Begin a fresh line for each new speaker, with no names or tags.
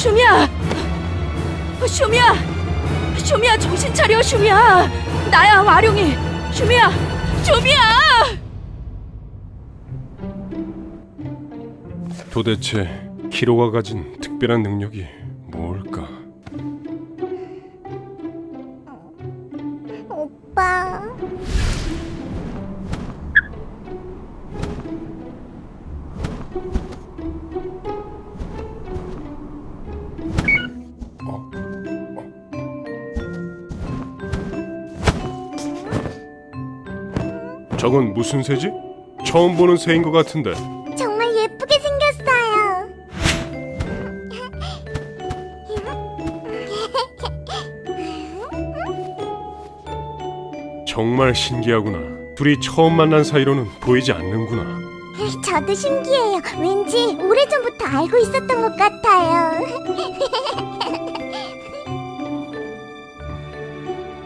슈미야! 슈미야! 슈미야, 정신 차려, 슈미야! 나야, 와룡이! 슈미야! 슈미야!
도대체 키로가 가진 특별한 능력이 뭘까?
오빠.
저건 무슨 새지? 처음 보는 새인 것 같은데.
정말 예쁘게 생겼어요.
정말 신기하구나. 둘이 처음 만난 사이로는 보이지 않는구나.
저도 신기해요. 왠지 오래전부터 알고 있었던 것 같아요.